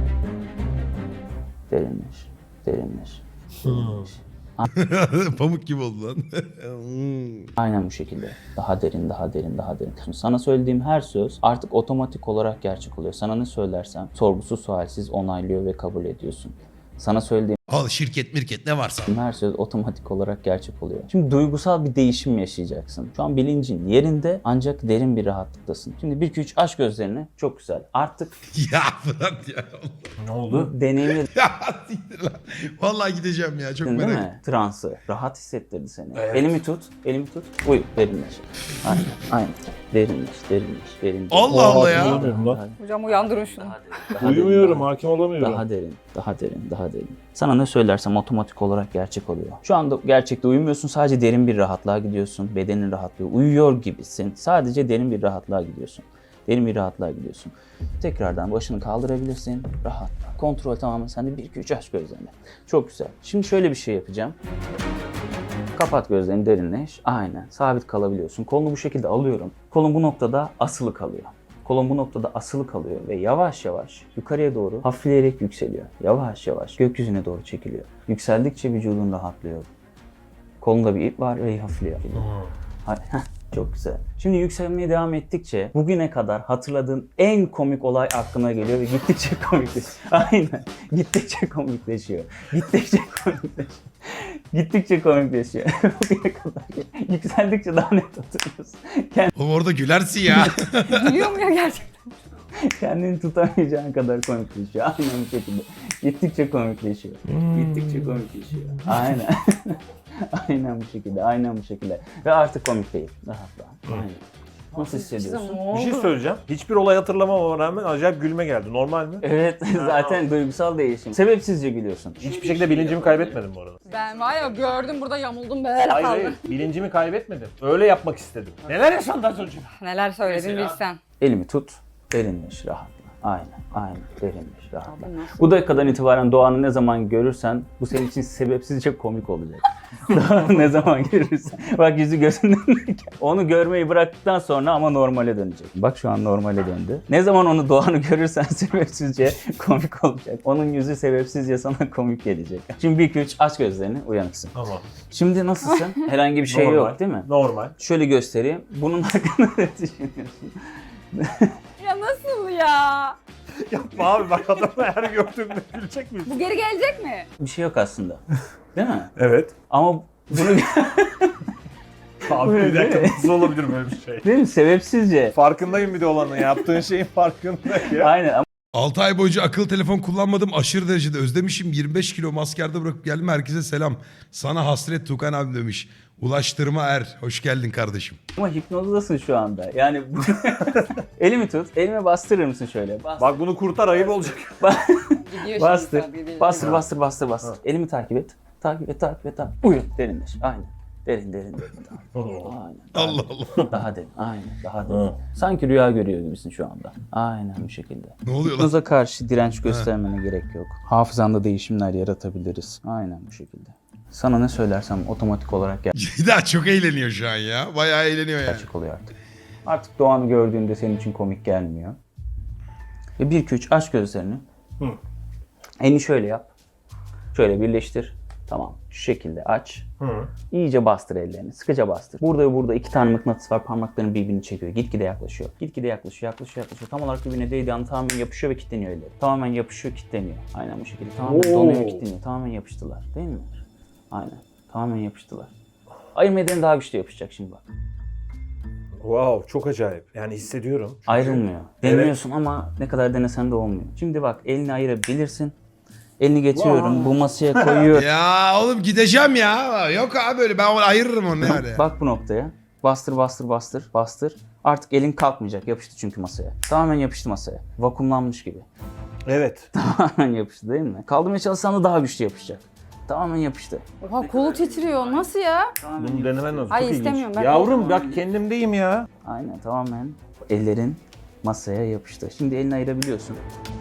[SPEAKER 3] Derinleş. Derinleş. Derinleş.
[SPEAKER 1] Pamuk gibi oldu lan. Hmm.
[SPEAKER 3] Aynen bu şekilde. Daha derin, daha derin, daha derin. Sana söylediğim her söz artık otomatik olarak gerçek oluyor. Sana ne söylersem sorgusuz sualsiz onaylıyor ve kabul ediyorsun. Sana söylediğim
[SPEAKER 1] Al şirket mirket ne varsa.
[SPEAKER 3] Her söz otomatik olarak gerçek oluyor. Şimdi duygusal bir değişim yaşayacaksın. Şu an bilincin yerinde ancak derin bir rahatlıktasın. Şimdi bir iki üç aç gözlerini. Çok güzel. Artık
[SPEAKER 1] Ya Fırat ya.
[SPEAKER 4] Ne oldu?
[SPEAKER 3] bu deneyimi
[SPEAKER 1] Ya siktir lan. Vallahi gideceğim ya çok
[SPEAKER 3] değil
[SPEAKER 1] merak ettim.
[SPEAKER 3] mi? Transı. Rahat hissettirdi seni.
[SPEAKER 4] Evet.
[SPEAKER 3] Elimi tut. Elimi tut. Uyu. Derinleş. Aynen. Aynen. Derinleş. Derinleş. Derinleş.
[SPEAKER 1] Allah Allah ya.
[SPEAKER 3] Daha-
[SPEAKER 4] Uyumuyorum lan.
[SPEAKER 2] Hocam uyandırın şunu.
[SPEAKER 3] daha derin, daha
[SPEAKER 4] Uyumuyorum,
[SPEAKER 3] derin,
[SPEAKER 4] hakim olamıyorum.
[SPEAKER 3] Daha derin, daha derin, daha derin. Sana ne söylersem otomatik olarak gerçek oluyor. Şu anda gerçekte uyumuyorsun, sadece derin bir rahatlığa gidiyorsun. Bedenin rahatlıyor, uyuyor gibisin. Sadece derin bir rahatlığa gidiyorsun. Derin bir rahatlığa gidiyorsun. Tekrardan başını kaldırabilirsin, rahatla. Kontrol tamamen sende. bir iki üç aç gözlerini. Çok güzel. Şimdi şöyle bir şey yapacağım. Kapat gözlerini, derinleş. Aynen. Sabit kalabiliyorsun. Kolunu bu şekilde alıyorum. Kolun bu noktada asılı kalıyor. Kolun bu noktada asılı kalıyor ve yavaş yavaş yukarıya doğru hafifleyerek yükseliyor. Yavaş yavaş gökyüzüne doğru çekiliyor. Yükseldikçe vücudun rahatlıyor. Kolunda bir ip var ve hafifliyor. Hay- heh, Çok güzel. Şimdi yükselmeye devam ettikçe bugüne kadar hatırladığın en komik olay aklına geliyor ve gittikçe komikleşiyor. Aynen. Gittikçe komikleşiyor. Gittikçe komikleşiyor. Gittikçe komikleşiyor. Bugüne kadar yükseldikçe daha net hatırlıyorsun.
[SPEAKER 1] Oğlum orada gülersin ya.
[SPEAKER 2] Gülüyor mu ya gerçekten?
[SPEAKER 3] Kendini tutamayacağın kadar komikleşiyor. Aynen bu şekilde. Gittikçe komikleşiyor. Gittikçe komikleşiyor. Aynen. Aynen bu şekilde. Aynen bu şekilde. Ve artık komik değil. Rahatla. Aynen. Nasıl hissediyorsun?
[SPEAKER 4] Bir şey söyleyeceğim. Hiçbir olay hatırlamama rağmen acayip gülme geldi. Normal mi?
[SPEAKER 3] Evet, zaten duygusal değişim. Sebepsizce gülüyorsun.
[SPEAKER 4] Hiçbir şekilde bilincimi kaybetmedim bu arada.
[SPEAKER 2] Ben var ya gördüm burada yamuldum böyle
[SPEAKER 4] Hayır
[SPEAKER 2] kaldım.
[SPEAKER 4] hayır. Bilincimi kaybetmedim. Öyle yapmak istedim. Neler yaşandı az önce?
[SPEAKER 2] Neler söyledin
[SPEAKER 4] Mesela-
[SPEAKER 2] bilsen.
[SPEAKER 3] Elimi tut, derinleş, rahatla. Aynen, aynen, derinleş, rahatla.
[SPEAKER 2] Abi nasıl?
[SPEAKER 3] Bu dakikadan itibaren Doğan'ı ne zaman görürsen bu senin için sebepsizce komik olacak. Doğan'ı ne zaman görürsen. Bak yüzü gözünden. Onu görmeyi bıraktıktan sonra ama normale dönecek. Bak şu an normale döndü. Ne zaman onu Doğan'ı görürsen sebepsizce komik olacak. Onun yüzü sebepsizce sana komik gelecek. Şimdi bir iki üç aç gözlerini, uyanıksın.
[SPEAKER 4] Tamam.
[SPEAKER 3] Şimdi nasılsın? Herhangi bir şey
[SPEAKER 4] Normal.
[SPEAKER 3] yok değil mi?
[SPEAKER 4] Normal.
[SPEAKER 3] Şöyle göstereyim. Bunun hakkında ne düşünüyorsun?
[SPEAKER 2] Ya nasıl ya?
[SPEAKER 4] Yapma abi bak adamı her gördüğümde gülecek miyiz?
[SPEAKER 2] Bu geri gelecek mi?
[SPEAKER 3] Bir şey yok aslında. Değil mi?
[SPEAKER 4] Evet.
[SPEAKER 3] Ama bunu
[SPEAKER 4] Abi bir dakika nasıl olabilir böyle bir şey?
[SPEAKER 3] değil mi? Sebepsizce.
[SPEAKER 4] Farkındayım bir de olanın. Yaptığın şeyin farkındayım ya.
[SPEAKER 3] Aynen ama
[SPEAKER 1] altı ay boyunca akıllı telefon kullanmadım. Aşırı derecede özlemişim. yirmi beş kilo maskerde bırakıp geldim. Herkese selam. Sana hasret Tukan abi demiş. Ulaştırma Er. Hoş geldin kardeşim.
[SPEAKER 3] ama hipnozdasın şu anda. Yani bu... elimi tut. Elime bastırır mısın şöyle? Bastır.
[SPEAKER 4] Bak bunu kurtar ayıp olacak.
[SPEAKER 2] Gidiyor
[SPEAKER 3] bastır.
[SPEAKER 2] şimdi. Bastır.
[SPEAKER 3] Bastır, bastır, bastır, bastır. Elimi takip et. Takip et, takip et, takip et. Uyu. Derinleş. Aynen. Derin, derin, derin. Aynen. Daha
[SPEAKER 1] Allah
[SPEAKER 3] derin.
[SPEAKER 1] Allah.
[SPEAKER 3] Daha derin. Aynen. Daha derin. Sanki rüya görüyor gibisin şu anda. Aynen bu şekilde.
[SPEAKER 1] Ne oluyor lan?
[SPEAKER 3] Hipnoza karşı direnç göstermene gerek yok. Hafızanda değişimler yaratabiliriz. Aynen bu şekilde. Sana ne söylersem otomatik olarak
[SPEAKER 1] Ceyda çok eğleniyor şu an ya. Bayağı eğleniyor yani.
[SPEAKER 3] gerçek oluyor artık. Artık Doğan'ı gördüğünde senin için komik gelmiyor. Ve bir iki üç aç gözlerini.
[SPEAKER 4] Hı.
[SPEAKER 3] Elini şöyle yap. Şöyle birleştir. Tamam. Şu şekilde aç.
[SPEAKER 4] Hı.
[SPEAKER 3] İyice bastır ellerini. Sıkıca bastır. Burada ve burada iki tane mıknatıs var. Parmakların birbirini çekiyor. Gitgide yaklaşıyor. Gitgide yaklaşıyor, yaklaşıyor, yaklaşıyor. Tam olarak birbirine değdiği an tamamen yapışıyor ve kilitleniyor elleri. Tamamen yapışıyor, kilitleniyor. Aynen bu şekilde. Tamamen
[SPEAKER 4] Oo.
[SPEAKER 3] donuyor ve kilitleniyor. Tamamen yapıştılar. Değil mi? Aynen. Tamamen yapıştılar. Ayırma daha güçlü yapışacak şimdi bak.
[SPEAKER 4] Wow çok acayip. Yani hissediyorum. Çünkü-
[SPEAKER 3] Ayrılmıyor. Deniyorsun ama ne kadar denesen de olmuyor. Şimdi bak elini ayırabilirsin. Elini getiriyorum. Bu masaya koyuyorum.
[SPEAKER 1] Ya oğlum gideceğim ya. Yok abi böyle ben onu ayırırım onu yani.
[SPEAKER 3] Bak bu noktaya. Bastır bastır bastır bastır. Artık elin kalkmayacak. Yapıştı çünkü masaya. Tamamen yapıştı masaya. Vakumlanmış gibi.
[SPEAKER 4] Evet.
[SPEAKER 3] Tamamen yapıştı değil mi? Kaldırmaya çalışsan da daha güçlü yapışacak. Tamamen yapıştı.
[SPEAKER 2] Oha kolu titriyor. Nasıl ya?
[SPEAKER 4] Bunu denemen lazım.
[SPEAKER 2] Ay,
[SPEAKER 4] Çok ilginç.
[SPEAKER 2] istemiyorum, ben
[SPEAKER 4] Yavrum
[SPEAKER 2] korkuyorum.
[SPEAKER 4] bak kendimdeyim ya.
[SPEAKER 3] Aynen tamamen ellerin masaya yapıştı. Şimdi elini ayırabiliyorsun.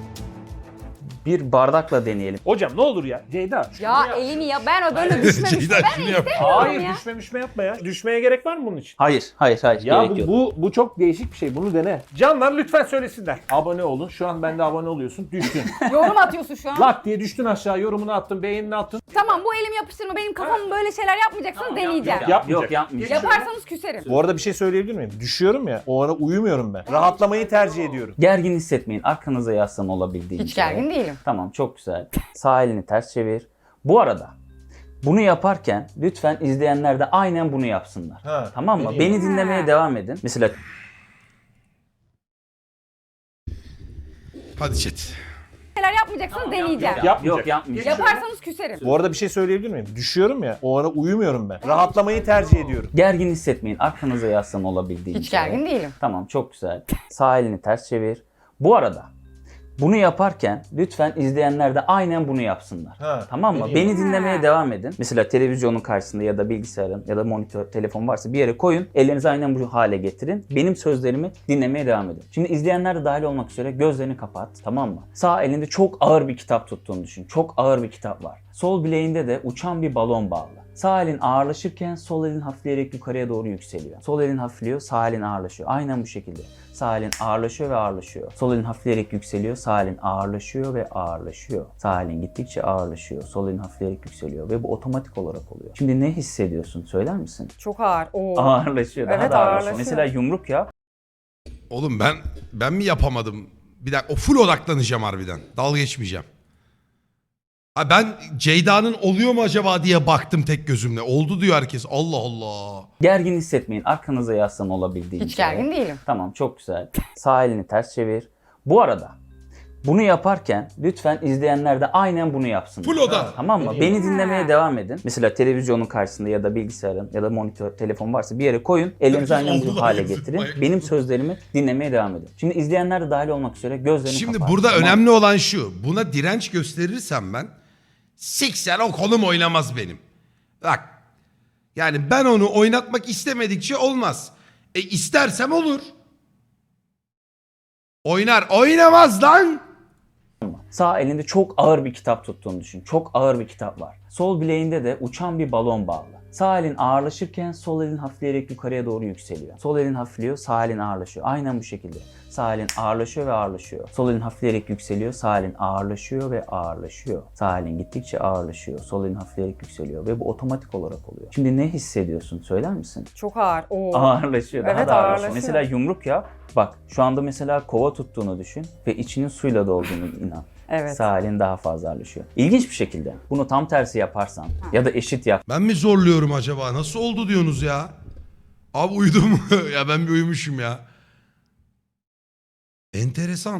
[SPEAKER 3] Bir bardakla deneyelim.
[SPEAKER 4] Hocam ne olur ya. Ceyda. şunu
[SPEAKER 2] Ya
[SPEAKER 4] yap.
[SPEAKER 2] elini ya ben o böyle düşmemiştim.
[SPEAKER 1] Ceyda
[SPEAKER 2] Ben
[SPEAKER 1] şunu yap.
[SPEAKER 4] Hayır
[SPEAKER 2] ya.
[SPEAKER 4] düşme düşme yapma ya. Düşmeye gerek var mı bunun için?
[SPEAKER 3] Hayır, hayır, hayır.
[SPEAKER 4] Ya
[SPEAKER 3] gerek
[SPEAKER 4] bu,
[SPEAKER 3] yok.
[SPEAKER 4] bu bu çok değişik bir şey. Bunu dene. Canlar lütfen söylesinler. Abone olun. Şu an ben de abone oluyorsun. Düştün.
[SPEAKER 2] yorum atıyorsun şu an.
[SPEAKER 4] Lak diye düştün aşağı. Yorumunu attın. Beğenini attın.
[SPEAKER 2] Tamam bu elimi yapıştırma. Benim kafamı böyle şeyler yapmayacaksın deneyeceğim.
[SPEAKER 4] yap, yap.
[SPEAKER 3] Yok yapmayacağım.
[SPEAKER 2] Yaparsanız küserim.
[SPEAKER 4] Bu arada bir şey söyleyebilir miyim? Düşüyorum ya. O ara uyumuyorum ben. Rahatlamayı tercih ediyorum.
[SPEAKER 3] Gergin hissetmeyin. Arkanıza yaslan olabildiğince.
[SPEAKER 2] Hiç gergin değilim.
[SPEAKER 3] Tamam çok güzel. Sağ elini ters çevir. Bu arada bunu yaparken lütfen izleyenler de aynen bunu yapsınlar.
[SPEAKER 4] Ha,
[SPEAKER 3] Tamam mı?
[SPEAKER 4] vereyim.
[SPEAKER 3] Beni dinlemeye
[SPEAKER 2] Ha.
[SPEAKER 3] devam edin. Mesela
[SPEAKER 1] Hadi chat.
[SPEAKER 2] Neler yapmayacaksınız deneyeceğim.
[SPEAKER 4] Yapmayacak.
[SPEAKER 3] yok yapmayacağım.
[SPEAKER 2] Yaparsanız küserim.
[SPEAKER 4] Bu arada bir şey söyleyebilir miyim? Düşüyorum ya, o ara uyumuyorum ben. Rahatlamayı tercih ediyorum.
[SPEAKER 3] Gergin hissetmeyin. Arkanıza yaslan olabildiğince.
[SPEAKER 2] Hiç gergin değilim.
[SPEAKER 3] Tamam, çok güzel. Sağ elini ters çevir. Bu arada bunu yaparken lütfen izleyenler de aynen bunu yapsınlar.
[SPEAKER 4] Ha,
[SPEAKER 3] Tamam mı?
[SPEAKER 4] vereyim.
[SPEAKER 3] Beni dinlemeye
[SPEAKER 2] Ha.
[SPEAKER 3] devam edin. Mesela televizyonun karşısında ya da bilgisayarın ya da monitör, telefon varsa bir yere koyun. Ellerinizi aynen bu hale getirin. Benim sözlerimi dinlemeye devam edin. Şimdi izleyenler de dahil olmak üzere gözlerini kapat. Tamam mı? Sağ elinde çok ağır bir kitap tuttuğunu düşün. Çok ağır bir kitap var. Sol bileğinde de uçan bir balon bağlı. Sağ elin ağırlaşırken sol elin hafifleyerek yukarıya doğru yükseliyor. Sol elin hafifliyor, sağ elin ağırlaşıyor. Aynen bu şekilde. Sağ elin ağırlaşıyor ve ağırlaşıyor. Sol elin hafifleyerek yükseliyor, sağ elin ağırlaşıyor ve ağırlaşıyor. Sağ elin gittikçe ağırlaşıyor, sol elin hafifleyerek yükseliyor ve bu otomatik olarak oluyor. Şimdi ne hissediyorsun? Söyler misin?
[SPEAKER 2] Çok ağır. Oo.
[SPEAKER 3] Ağırlaşıyor, daha
[SPEAKER 2] Evet,
[SPEAKER 3] da ağırlaşıyor.
[SPEAKER 2] ağırlaşıyor.
[SPEAKER 3] Mesela yumruk yap.
[SPEAKER 1] Oğlum ben ben mi yapamadım? Bir dakika, o full odaklanacağım harbiden. Dalga geçmeyeceğim. Ha ben Ceyda'nın oluyor mu acaba diye baktım tek gözümle. Oldu diyor herkes. Allah Allah.
[SPEAKER 3] Gergin hissetmeyin. Arkanıza yaslan olabildiğince.
[SPEAKER 2] Hiç gergin değilim.
[SPEAKER 3] Tamam, çok güzel. Sağ elini ters çevir. Bu arada bunu yaparken lütfen izleyenler de aynen bunu yapsınlar.
[SPEAKER 1] Full oda.
[SPEAKER 3] Tamam mı?
[SPEAKER 4] Vereyim.
[SPEAKER 3] Beni dinlemeye
[SPEAKER 2] Ha.
[SPEAKER 3] devam edin. Mesela televizyonun karşısında ya da bilgisayarın ya da monitör, telefon varsa bir yere koyun. Ellerinizi
[SPEAKER 1] Herkes
[SPEAKER 3] aynen
[SPEAKER 1] oldu
[SPEAKER 3] bu
[SPEAKER 1] da
[SPEAKER 3] hale
[SPEAKER 1] yazık,
[SPEAKER 3] getirin.
[SPEAKER 1] bayağı.
[SPEAKER 3] Benim sözlerimi dinlemeye devam edin. Şimdi izleyenler de dahil olmak üzere gözlerini
[SPEAKER 1] Şimdi
[SPEAKER 3] kapat.
[SPEAKER 1] burada
[SPEAKER 3] Tamam mı?
[SPEAKER 1] önemli olan şu. Buna direnç gösterirsem ben siksen o kolum oynamaz benim. Bak. Yani ben onu oynatmak istemedikçe olmaz. E istersem olur. Oynar. Oynamaz lan.
[SPEAKER 3] Sağ elinde çok ağır bir kitap tuttuğunu düşün. Çok ağır bir kitap var. Sol bileğinde de uçan bir balon bağlı. Sağ elin ağırlaşırken sol elin hafifleyerek yukarıya doğru yükseliyor. Sol elin hafifliyor, sağ elin ağırlaşıyor. Aynen bu şekilde. Sağ elin ağırlaşıyor ve ağırlaşıyor. Sol elin hafifleyerek yükseliyor, sağ elin ağırlaşıyor ve ağırlaşıyor. Sağ elin gittikçe ağırlaşıyor, sol elin hafifleyerek yükseliyor ve bu otomatik olarak oluyor. Şimdi ne hissediyorsun? Söyler misin?
[SPEAKER 2] Çok ağır. Oo.
[SPEAKER 3] Ağırlaşıyor, daha
[SPEAKER 2] Evet,
[SPEAKER 3] da ağırlaşıyor.
[SPEAKER 2] ağırlaşıyor.
[SPEAKER 3] Mesela yumruk yap. Bak şu anda mesela kova tuttuğunu düşün ve içinin suyla dolduğunu inan.
[SPEAKER 2] Evet.
[SPEAKER 3] Sağ elin daha fazla ağırlaşıyor. İlginç bir şekilde bunu tam tersi yaparsan ya da eşit yap.
[SPEAKER 1] Ben mi zorluyorum acaba? Nasıl oldu diyorsunuz ya? Abi uyudum. Ya ben bir uyumuşum ya. Enteresan.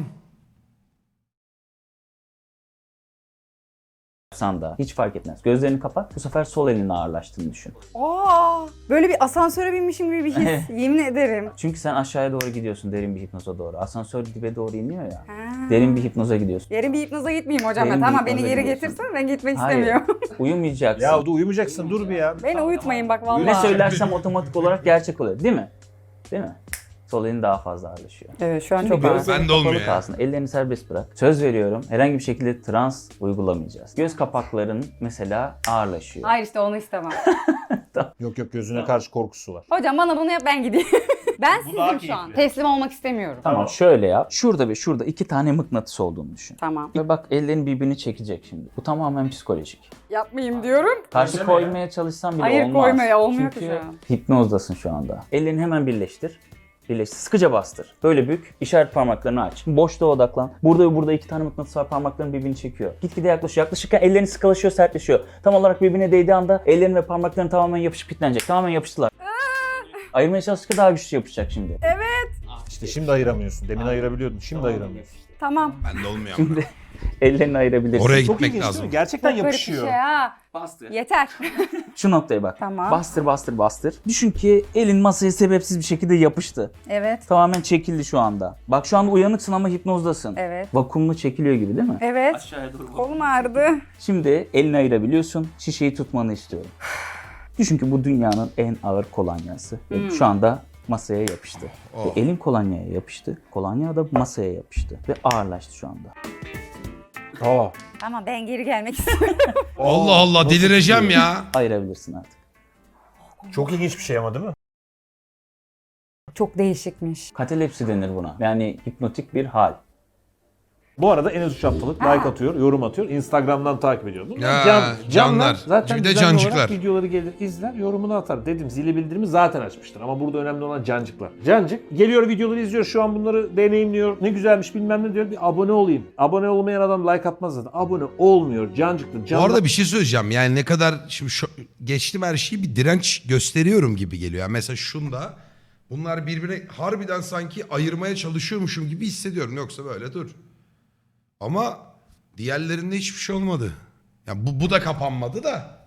[SPEAKER 3] Yapsan da hiç fark etmez. Gözlerini kapat. Bu sefer sol elinin ağırlaştığını düşün.
[SPEAKER 2] Aa, böyle bir asansöre binmişim gibi bir his. Yemin ederim.
[SPEAKER 3] Çünkü sen aşağıya doğru gidiyorsun derin bir hipnoza doğru. Asansör dibe doğru iniyor ya.
[SPEAKER 2] Ha.
[SPEAKER 3] Derin bir hipnoza gidiyorsun.
[SPEAKER 2] Derin bir hipnoza gitmeyeyim hocam.
[SPEAKER 3] Derin
[SPEAKER 2] ben.
[SPEAKER 3] bir
[SPEAKER 2] Tamam beni
[SPEAKER 3] hipnoza
[SPEAKER 2] geri
[SPEAKER 3] gidiyorsun.
[SPEAKER 2] getirsin, ben gitmek
[SPEAKER 3] Hayır.
[SPEAKER 2] istemiyorum.
[SPEAKER 3] Uyumayacaksın.
[SPEAKER 4] Ya dur uyumayacaksın, dur bir ya.
[SPEAKER 2] Beni uyutmayın bak vallahi.
[SPEAKER 3] Ne söylersem otomatik olarak gerçek oluyor. Değil mi? Değil mi? Sol elin daha fazla ağırlaşıyor.
[SPEAKER 2] Evet şu an
[SPEAKER 3] Şimdi
[SPEAKER 2] çok ağır.
[SPEAKER 3] gözlerin
[SPEAKER 1] Bende olmuyor
[SPEAKER 3] kapalı
[SPEAKER 1] ya.
[SPEAKER 3] kalsın. Ellerini serbest bırak. Söz veriyorum. Herhangi bir şekilde trans uygulamayacağız. Göz kapakların mesela ağırlaşıyor.
[SPEAKER 2] Hayır işte onu istemem.
[SPEAKER 4] Yok yok, gözüne karşı korkusu var.
[SPEAKER 2] Hocam bana bunu yap ben gideyim. ben
[SPEAKER 4] daha
[SPEAKER 2] sizim şu an.
[SPEAKER 4] keyifli.
[SPEAKER 2] Teslim olmak istemiyorum.
[SPEAKER 3] Tamam, şöyle yap. Şurada ve şurada iki tane mıknatıs olduğunu düşün.
[SPEAKER 2] Tamam.
[SPEAKER 3] Ve bak ellerin birbirini çekecek şimdi. Bu tamamen psikolojik.
[SPEAKER 2] Yapmayayım diyorum.
[SPEAKER 3] Karşı koymaya çalışsan bile
[SPEAKER 2] Hayır,
[SPEAKER 3] olmaz.
[SPEAKER 2] koymaya olmuyor ki
[SPEAKER 3] Çünkü
[SPEAKER 2] şu an.
[SPEAKER 3] hipnozdasın şu anda. Ellerini hemen birleştir. Birleştir. Sıkıca bastır. Böyle bük. İşaret parmaklarını aç. Boşluğa odaklan. Burada ve burada iki tane mıknatıs var. Parmakların birbirini çekiyor. Gitgide yaklaşıyor. Yaklaşırken ellerini sıkılaşıyor, sertleşiyor. Tam olarak birbirine değdiği anda ellerin ve parmakların tamamen yapışıp kilitlenecek. Tamamen yapıştılar. Ayırmaya çalıştıkça daha güçlü yapışacak şimdi.
[SPEAKER 4] İşte şimdi ayıramıyorsun. Demin ayırabiliyordun, şimdi ayıramıyorsun.
[SPEAKER 2] Tamam.
[SPEAKER 1] Ben de olmuyor. ama.
[SPEAKER 3] Şimdi ellerini ayırabilirsin.
[SPEAKER 1] Oraya
[SPEAKER 4] Çok
[SPEAKER 1] gitmek
[SPEAKER 4] ilginç
[SPEAKER 1] lazım.
[SPEAKER 4] değil mi? Gerçekten
[SPEAKER 2] Çok garip bir
[SPEAKER 4] yapışıyor.
[SPEAKER 2] şey ha.
[SPEAKER 3] Bastır.
[SPEAKER 2] Yeter.
[SPEAKER 3] Şu noktaya bak.
[SPEAKER 2] Tamam.
[SPEAKER 3] Bastır bastır bastır. Düşün ki elin masaya sebepsiz bir şekilde yapıştı.
[SPEAKER 2] evet.
[SPEAKER 3] Tamamen çekildi şu anda. Bak şu anda uyanıksın ama hipnozdasın.
[SPEAKER 2] Evet.
[SPEAKER 3] Vakumlu çekiliyor gibi değil mi?
[SPEAKER 2] Evet.
[SPEAKER 3] Aşağıya doğru.
[SPEAKER 2] Kolum ağrıdı.
[SPEAKER 3] Şimdi elini ayırabiliyorsun. Şişeyi tutmanı istiyorum. Düşün ki bu dünyanın en ağır kolonyası. Ve şu anda masaya yapıştı.
[SPEAKER 1] Oh.
[SPEAKER 3] Ve elin kolonyaya yapıştı. Kolonya da masaya yapıştı. Ve ağırlaştı şu anda.
[SPEAKER 4] Aa.
[SPEAKER 2] Ama ben geri gelmek istiyorum.
[SPEAKER 1] Allah Allah delireceğim ya.
[SPEAKER 3] Ayırabilirsin artık.
[SPEAKER 4] Çok ilginç bir şey ama değil mi?
[SPEAKER 2] Çok değişikmiş.
[SPEAKER 3] Katalepsi denir buna. Yani hipnotik bir hal.
[SPEAKER 4] Bu arada Enes Üç haftalık like atıyor, yorum atıyor. Instagram'dan takip ediyor. Bunlar
[SPEAKER 1] Ya,
[SPEAKER 4] can,
[SPEAKER 1] canlar.
[SPEAKER 4] canlar. Zaten
[SPEAKER 1] Bir de
[SPEAKER 4] düzenli
[SPEAKER 1] cancıklar.
[SPEAKER 4] olarak videoları gelir, izler, yorumunu atar. Dedim zili bildirimi zaten açmıştır. Ama burada önemli olan cancıklar. Cancık geliyor videoları izliyor. Şu an bunları deneyimliyor. Ne güzelmiş bilmem ne diyor. Bir abone olayım. Abone olmayan adam like atmaz zaten. Abone olmuyor. Cancıktır.
[SPEAKER 1] Bu
[SPEAKER 4] Canlar.
[SPEAKER 1] arada bir şey söyleyeceğim. Yani ne kadar şimdi şu, geçtim her şeyi bir direnç gösteriyorum gibi geliyor. Yani mesela şunda bunlar birbirine harbiden sanki ayırmaya çalışıyormuşum gibi hissediyorum. Yoksa böyle dur. Ama diğerlerinde hiçbir şey olmadı. Yani bu, bu da kapanmadı da.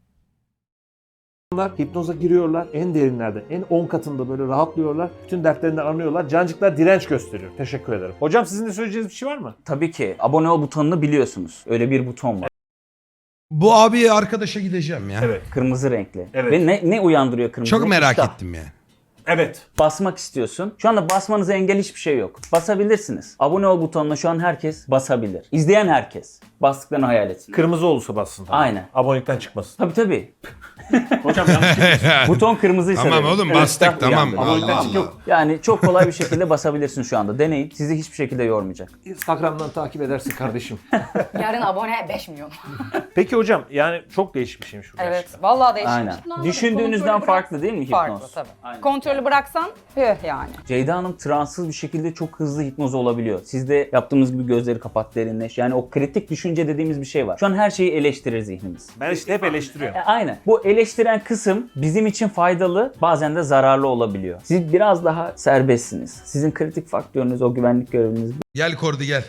[SPEAKER 4] İnsanlar hipnoza giriyorlar. En derinlerde, en on katında böyle rahatlıyorlar. Bütün dertlerini anlıyorlar. Cancıklar direnç gösteriyor. Teşekkür ederim. Hocam sizin de söyleyeceğiniz bir şey var mı?
[SPEAKER 3] Tabii ki abone ol butonunu biliyorsunuz. Öyle bir buton var.
[SPEAKER 1] Bu abiye arkadaşa gideceğim ya.
[SPEAKER 4] Evet.
[SPEAKER 3] Kırmızı renkli.
[SPEAKER 4] Evet.
[SPEAKER 3] Ve ne, ne uyandırıyor kırmızı
[SPEAKER 1] Çok
[SPEAKER 3] renk?
[SPEAKER 1] merak
[SPEAKER 3] İştah.
[SPEAKER 1] ettim ya.
[SPEAKER 4] Evet.
[SPEAKER 3] Basmak istiyorsun. Şu anda basmanıza engel hiçbir şey yok. Basabilirsiniz. Abone ol butonuna şu an herkes basabilir. İzleyen herkes. Bastıklarını hayal etsin.
[SPEAKER 4] Kırmızı olursa bassın. Tabii.
[SPEAKER 3] Aynen.
[SPEAKER 4] Abonelikten çıkmasın.
[SPEAKER 3] Tabii tabii.
[SPEAKER 4] Hocam yanlış çıkmasın.
[SPEAKER 3] Buton kırmızıysa
[SPEAKER 1] Tamam
[SPEAKER 3] dedim.
[SPEAKER 1] oğlum
[SPEAKER 3] Evet,
[SPEAKER 1] bastık
[SPEAKER 3] İştah
[SPEAKER 1] tamam.
[SPEAKER 3] uyandı.
[SPEAKER 1] Allah
[SPEAKER 4] Abonelikten çık
[SPEAKER 1] Allah.
[SPEAKER 4] yok.
[SPEAKER 3] Yani çok kolay bir şekilde basabilirsin şu anda. Deneyin. Sizi hiçbir şekilde yormayacak.
[SPEAKER 4] Instagram'dan takip edersin kardeşim.
[SPEAKER 2] Yarın abone beş milyon.
[SPEAKER 4] Peki hocam yani çok değişik bir şeymiş bu
[SPEAKER 2] Evet.
[SPEAKER 4] gerçekten.
[SPEAKER 2] Vallahi değişik.
[SPEAKER 3] Aynen.
[SPEAKER 2] Şimdi anladım.
[SPEAKER 3] Düşündüğünüzden
[SPEAKER 2] Kontrolü
[SPEAKER 3] farklı
[SPEAKER 2] bırak-
[SPEAKER 3] değil mi hipnoz?
[SPEAKER 2] Farklı tabii.
[SPEAKER 3] Aynen.
[SPEAKER 2] Kontrolü bıraksan püh yani.
[SPEAKER 3] Ceyda Hanım transsız bir şekilde çok hızlı hipnoz olabiliyor. Siz de yaptığımız gibi gözleri kapat, derinleş. Yani o kritik düşünce dediğimiz bir şey var. Şu an her şeyi eleştirir zihnimiz.
[SPEAKER 4] Ben işte hep eleştiriyorum.
[SPEAKER 3] E, aynen. Bu eleştiren kısım bizim için faydalı, bazen de zararlı olabiliyor. Siz biraz daha serbestsiniz. Sizin kritik faktörünüz, o güvenlik göreviniz
[SPEAKER 1] Gel Kordi gel.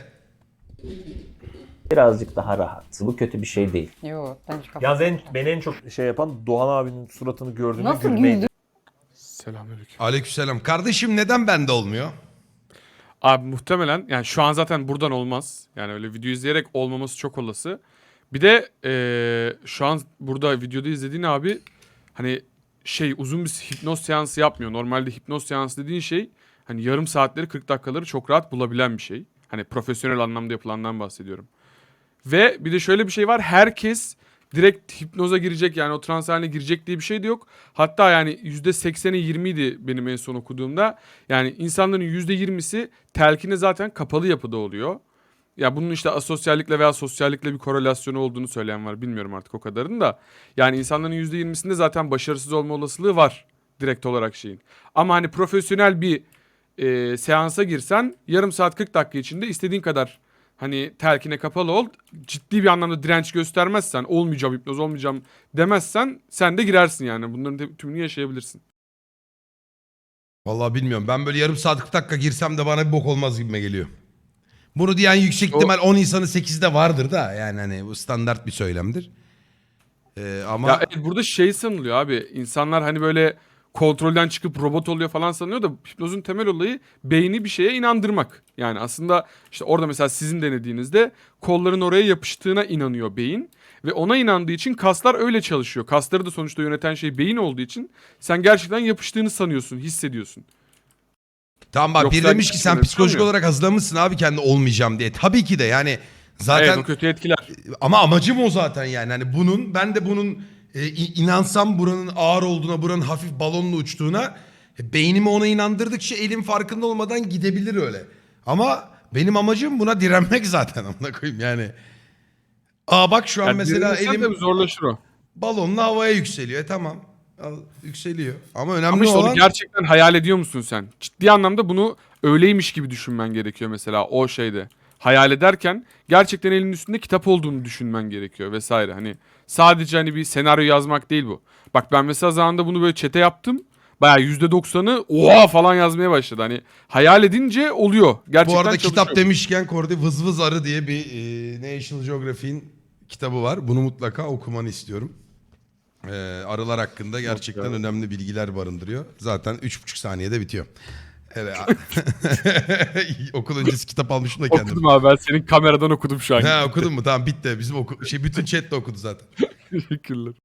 [SPEAKER 3] birazcık daha rahat. Bu kötü bir şey değil.
[SPEAKER 2] Yok ben hiç kapat.
[SPEAKER 4] Yalnız en, beni en çok şey yapan Doğan abinin suratını gördüğümde
[SPEAKER 2] Nasıl
[SPEAKER 4] gülmeydi.
[SPEAKER 2] güldü?
[SPEAKER 5] Selamünaleyküm.
[SPEAKER 1] Aleykümselam. Kardeşim neden bende olmuyor?
[SPEAKER 5] Abi muhtemelen yani şu an zaten buradan olmaz. Yani öyle video izleyerek olmaması çok olası. Bir de eee, şu an burada videoda izlediğin abi hani şey uzun bir hipnoz seansı yapmıyor. Normalde hipnoz seansı dediğin şey hani yarım saatleri kırk dakikaları çok rahat bulabilen bir şey. Hani profesyonel anlamda yapılandan bahsediyorum. Ve bir de şöyle bir şey var. Herkes direkt hipnoza girecek yani o trans haline girecek diye bir şey de yok. Hatta yani yüzde sekseni yirmiydi benim en son okuduğumda. Yani insanların yüzde yirmisi telkine zaten kapalı yapıda oluyor. Ya bunun işte asosyallikle veya sosyallikle bir korelasyonu olduğunu söyleyen var. Bilmiyorum artık o kadarını da. Yani insanların yüzde yirmisinde zaten başarısız olma olasılığı var direkt olarak şeyin. Ama hani profesyonel bir e, seansa girsen yarım saat kırk dakika içinde istediğin kadar hani telkine kapalı ol. Ciddi bir anlamda direnç göstermezsen, olmayacağım hipnoz olmayacağım demezsen sen de girersin yani. Bunların te- tümünü yaşayabilirsin.
[SPEAKER 1] Vallahi bilmiyorum. Ben böyle yarım saat kırk dakika girsem de bana bir bok olmaz gibime geliyor. Bunu diyen yüksek
[SPEAKER 5] O-
[SPEAKER 1] ihtimal on insanın sekizde vardır da. Yani hani bu standart bir söylemdir. Ee, ama
[SPEAKER 5] Ya evet, burada şey sanılıyor abi. İnsanlar hani böyle kontrolden çıkıp robot oluyor falan sanıyor da hipnozun temel olayı beyni bir şeye inandırmak. Yani aslında işte orada mesela sizin denediğinizde kolların oraya yapıştığına inanıyor beyin. Ve ona inandığı için kaslar öyle çalışıyor. Kasları da sonuçta yöneten şey beyin olduğu için sen gerçekten yapıştığını sanıyorsun, hissediyorsun.
[SPEAKER 1] tamam bak
[SPEAKER 5] Yoksa
[SPEAKER 1] bir demiş ki sen
[SPEAKER 5] öyle bir şey
[SPEAKER 1] psikolojik
[SPEAKER 5] olmuyor.
[SPEAKER 1] olarak hazırlamışsın abi kendi olmayacağım diye. Tabii ki de yani zaten
[SPEAKER 5] Evet, o kötü etkiler.
[SPEAKER 1] ama amacım o zaten yani. Hani bunun ben de bunun e, i- inansam buranın ağır olduğuna, buranın hafif balonla uçtuğuna e, beynimi ona inandırdıkça elim farkında olmadan gidebilir öyle. Ama benim amacım buna direnmek zaten amına koyayım yani. Aa bak şu an
[SPEAKER 5] Yani
[SPEAKER 1] mesela
[SPEAKER 5] direnirsen
[SPEAKER 1] elim
[SPEAKER 5] tabii zorlaşır o.
[SPEAKER 1] balonla havaya yükseliyor. E tamam. Al, yükseliyor. Ama önemli
[SPEAKER 5] Ama işte
[SPEAKER 1] olan
[SPEAKER 5] onu gerçekten hayal ediyor musun sen? Ciddi anlamda bunu öyleymiş gibi düşünmen gerekiyor mesela o şeyde. Hayal ederken gerçekten elinin üstünde kitap olduğunu düşünmen gerekiyor vesaire. Hani sadece hani bir senaryo yazmak değil bu. Bak ben mesela zamanında bunu böyle çete yaptım. Bayağı yüzde doksanı oha falan yazmaya başladı. Hani hayal edince oluyor. Gerçekten
[SPEAKER 1] bu arada
[SPEAKER 5] çalışıyor.
[SPEAKER 1] kitap demişken Kordi Vız Vız Arı diye bir e, National Geographic'in kitabı var. Bunu mutlaka okumanı istiyorum. E, arılar hakkında gerçekten önemli bilgiler barındırıyor. Zaten üç buçuk saniyede bitiyor. Evet. Okul öncesi kitap almışım da kendim.
[SPEAKER 5] Okudum abi, ben senin kameradan okudum şu an.
[SPEAKER 1] Ha okudun mu? Tamam bitti. Bizim oku şey bütün chat de okudu zaten.
[SPEAKER 5] Teşekkürler.